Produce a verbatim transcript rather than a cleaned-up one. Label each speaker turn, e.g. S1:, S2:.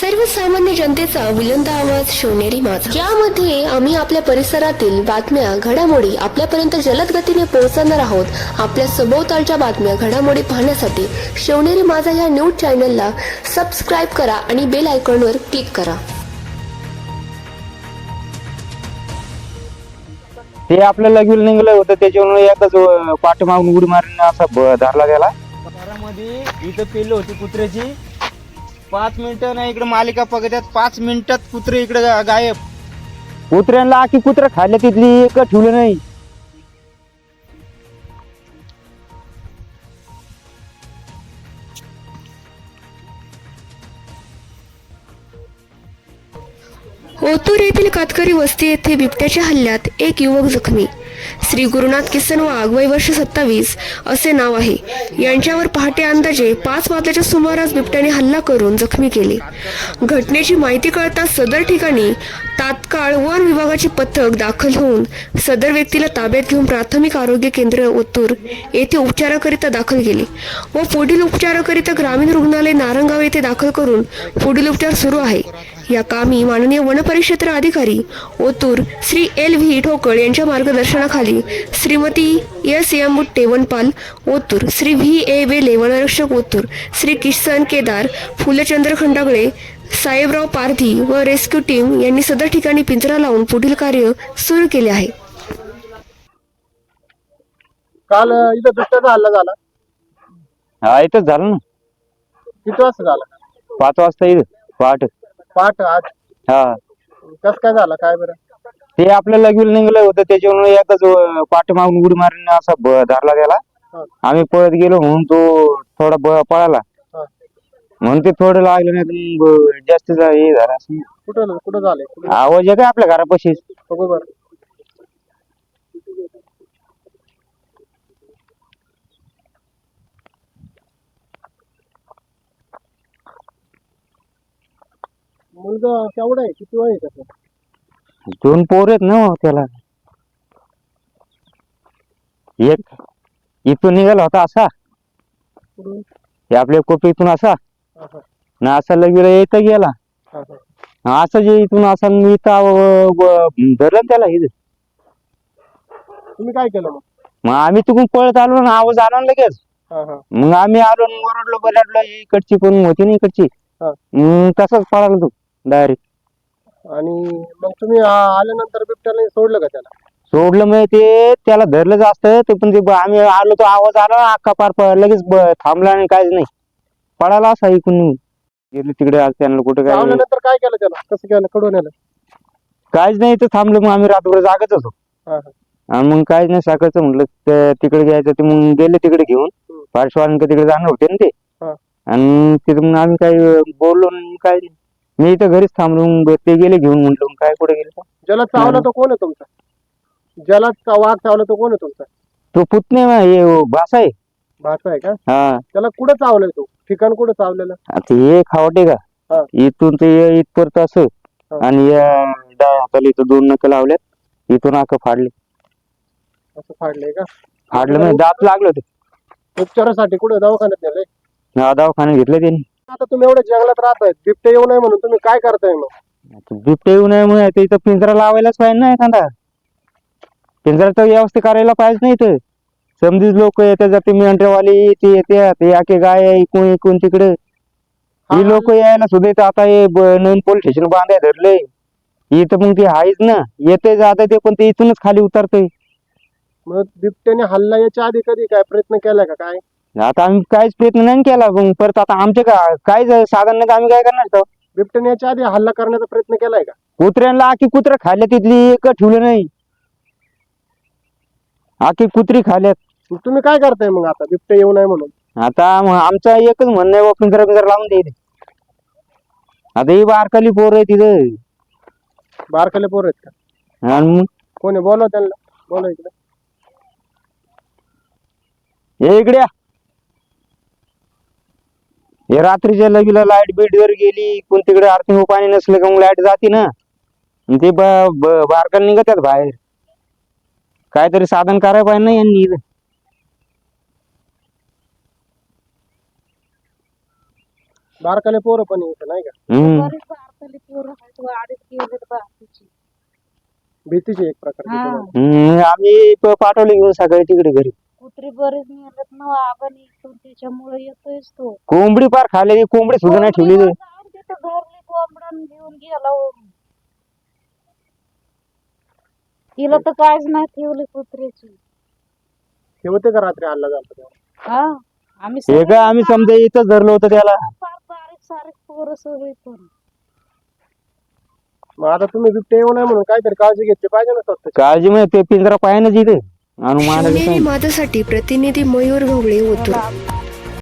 S1: सर्वसामान्य जनतेचा बुलंद आवाज शिवनेरी माझा, ज्यामध्ये आम्ही आपल्या परिसरातील बातम्या घडामोडी आपल्यापर्यंत जलद गतीने पोहोचवणार आहोत। आपल्या सभोवतालच्या बातम्या घडामोडी पाहण्यासाठी शिवनेरी माझा या न्यूज चॅनलला सबस्क्राईब करा आणि बेल आयकॉनवर क्लिक करा।
S2: ते आपल्याला घेऊन निघालं होतं, त्याच्यावर एकच पाठमागून उडी मारून असा धरला गेला।
S3: घरामध्ये इथं पेल होती कुत्र्याची, पाच मिनिटं नाही इकडे मालिका पकडतात, पाच मिनिटात कुत्रे इकडे गायब।
S2: कुत्र्यांना आखी कुत्रा खाल्ल्या, तिथली एक ठेवलं नाही।
S1: ओतूर येथील कातकरी वस्ती येथे बिबट्याच्या हल्ल्यात एक युवक जखमी। श्री गुरुनाथ किसन वाघ, वय वर्ष सत्तावीस असे नाव आहे, यांच्यावर पहाटे अंदाजे पाच वाजल्याच्या सुमारास बिबट्याने हल्ला करून जखमी केले। घटनेची माहिती कळताच सदर ठिकाणी तात्काळ वन विभागाचे पथक दाखल होऊन सदर व्यक्तीला ताब्यात घेऊन प्राथमिक आरोग्य केंद्र ओतूर येथे उपचाराकरिता दाखल केले व पुढील उपचाराकरिता ग्रामीण रुग्णालय नारंगाव येथे दाखल करून पुढील उपचार सुरू आहे। या कामी माननीय वनपरिक्षेत्र अधिकारी ओतूर श्री एल व्ही ठोकळ यांच्या मार्गदर्शनाखाली श्रीमती एस एम बुट्टे वनपाल ओतूर, श्री व्ही ए बेले वनरक्षक ओतूर, श्री किसन केदार, फुलचंद्र खंडागळे, साहेबराव पारधी व रेस्क्यू टीम यांनी सदर ठिकाणी पिंजरा लावून पुढील कार्य सुरू केले आहे।
S4: काल इथं बिबट्याचा हल्ला झाला,
S2: हा इथंच झालं ना,
S4: किती वाजता झाला?
S2: पाच वाजता इथं पहाट।
S4: पहाट आज
S2: हा
S4: कस काय झाला काय बरं?
S2: ते आपल्याला घेऊन निघालं होतं, त्याच्यावर एकच पाठमागून उडी मारून असा धरला गेला।
S4: हा.
S2: आम्ही पळत गेलो म्हणून तो थोडा ब- पळाला
S4: हा.
S2: म्हणून ते थोडं लागलं, नाही तर जास्त हे झालं असं।
S4: कुठं कुठं झालंय? कुठं
S2: आवाज आहे का आपल्या घरापाशीच?
S4: बघू बरं. मुलगा केवढा आहे, किती वय आहे त्याचं?
S2: दोन पोर आहेत ना त्याला। एक इथून निघाला होता असा,
S4: कुठून?
S2: हे आपल्या कोपीतून असा
S4: हा, हा,
S2: ना, असा लगेच येतं गेला
S4: हा, हा.
S2: असं जे इथून असा मी इथं धरलं ना त्याला इथं।
S4: तुम्ही काय केलं मग?
S2: मग आम्ही तिकडून पळत आलो ना, आवाज आला ना लगेच।
S4: हा, हा,
S2: मग आम्ही आलो न ओरडलो बरडलो, इकडची पण होती ना इकडची,
S4: हा.
S2: मग तसाच पळाला तो डायरेक्ट।
S4: आणि मग तुम्ही आ- आल्यानंतर बिबट्याने सोडलं का त्याला?
S2: सोडलं मग ते त्याला धरलं जास्त ते, पण ते ब- आम्ही आलो तो आवाज आला ना, अख्खा पार प- लगेच ब- थांबला आणि काहीच नाही, पळाला असा इकडून निघून गेले तिकडे। आज त्यांना कुठे काय
S4: आल्यानंतर काय केलं त्याला? कसं केलं? कडून आलं?
S2: काहीच नाही, तर थांबलो मग आम्ही रात्रभर जागच होतो।
S4: हा, हा.
S2: आणि मग काहीच नाही, सकाळचं म्हटलं ते तिकडे घ्यायचं, ते मग गेले तिकडे घेऊन
S4: हम्म.
S2: पार्श्वान तिकडे जाणार होते ना ते।
S4: हा.
S2: आणि तिथं मग आम्ही काही बोललो नाही, काय नाही, मी इथं घरीच थांबलो। मग ते गेले घेऊन, म्हटलं मग काय कुठे गेले
S4: ज्याला चावला तो कोण आहे तुमचा? ज्याला चा- वाघ चावला तो कोण आहे तुमचा?
S2: तो पुतणे हे भाषा आहे।
S4: भाचा आहे का?
S2: हा
S4: त्याला कुठं चावलंय तो? ठिकाण कुठं चावलेलं?
S2: आता हे खावटे
S4: हा.
S2: का, इथून ते इथपर्यंत असं,
S4: हा.
S2: आणि या डाव्या हाताला इथं दोन नख लावल्यात, इथून आख फाडले।
S4: असं फाडलंय का?
S2: फाडलं म्हणजे दात लागलं होतं।
S4: उपचारासाठी कुठे दवाखान्यात नेलंय?
S2: हा, दवाखान्यात घेतलं त्यांनी।
S4: आता तुम्ही एवढ्या जंगलात राहताय, बिबटे येऊ नये म्हणून तुम्ही काय करताय मग?
S2: आता बिबटे येऊ नये म्हणून आता इथं पिंजरा लावायलाच पाहिजे ना, एखादा पिंजराचा व्यवस्था करायला पाहिजे नाही तर। समधीच लोक येते जाते, मेंढरवाली ते येते, ते आखे गाय इकून इकून तिकडे,
S4: हा,
S2: ही लोक यायला सुद्धा इथं आता हे ब- नवीन पोलीस स्टेशन बांधाय धरलंय इथं, मग ते आहेच ना, येते जाते ते, पण ते इथूनच खाली उतरतंय।
S4: मग बिबट्याने हल्ला याच्या आधी कधी काय प्रयत्न केलाय का काय?
S2: आता आम्ही काहीच प्रयत्न नाही केला, मग परत आता आमचे का काहीच साधन नाही, तर आम्ही काय करणार तो?
S4: बिबट्याने याच्या आधी हल्ला करण्याचा प्रयत्न केलाय का?
S2: कुत्र्यांना आखी कुत्रा खाल्ल्या, तिथली एक ठेवलं नाही, आखी कुत्री खाल्ल्यात।
S4: मग तुम्ही काय करताय मग आता बिबटे येऊ नये म्हणून?
S2: आता मग आमचं एकच म्हणणं आहे, पिंजरा पिंजरा लावून द्यायचे। आता ही बारकाली पोर आहे तिथं,
S4: बारकाले पोर आहेत का?
S2: आणि मग
S4: कोणी बोलव त्यांना, बोलव इकडे.
S2: हे इकडे या। हे रात्रीच्या लगीला लाईट बीट जर गेली, कोण तिकडे आरती पाणी नसलं का मग लाईट जाते ना, आणि ते बारकाला निघतात बाहेर, काहीतरी साधन करायला पाहिजे ना यांनी इथं।
S4: बारकाले पोरं पण येतं नाही का?
S2: हम्म
S5: बरेच भारताले पोरं आहेत व अडीच गेलेत भारताची.
S4: भीतीची एक प्रकारची
S5: हा.
S4: तुम्हाला.
S2: हम्म, आम्ही प- पाठवले घेऊन सकाळी तिकडे घरी.
S5: कुत्री बरेच नेलेत ना आपण इथून, त्याच्यामुळे येतोयच तो.
S2: कोंबडी पार खाल्लेली, कोंबडी सुद्धा नाही ठेवली
S5: कोंबडीवर जाऊन तिथं धरली कोंबडण घेऊन गेला हो. तिला तर काहीच नाही ठेवली कुत्र्याची.
S4: ते होते का रात्री हल्ला झाला तेव्हा?
S5: हा आम्ही
S2: हे
S5: सगळे
S2: काय आम्ही समजा इथं धरलं होतं त्याला.
S5: फार बारीक सारीक पोरं सगळे पण.
S4: मग आता तुम्ही बिबटे येऊ नये म्हणून काहीतरी काळजी घेतली पाहिजे ना स्वतःची.
S2: काळजी म्हणजे ते पिंजरा पायानंच इथे आणून मारायला
S1: शिवनेरी
S2: सांगितलं.
S1: माझ्यासाठी प्रतिनिधी मयूर ढोबळे ओतूर.
S5: मला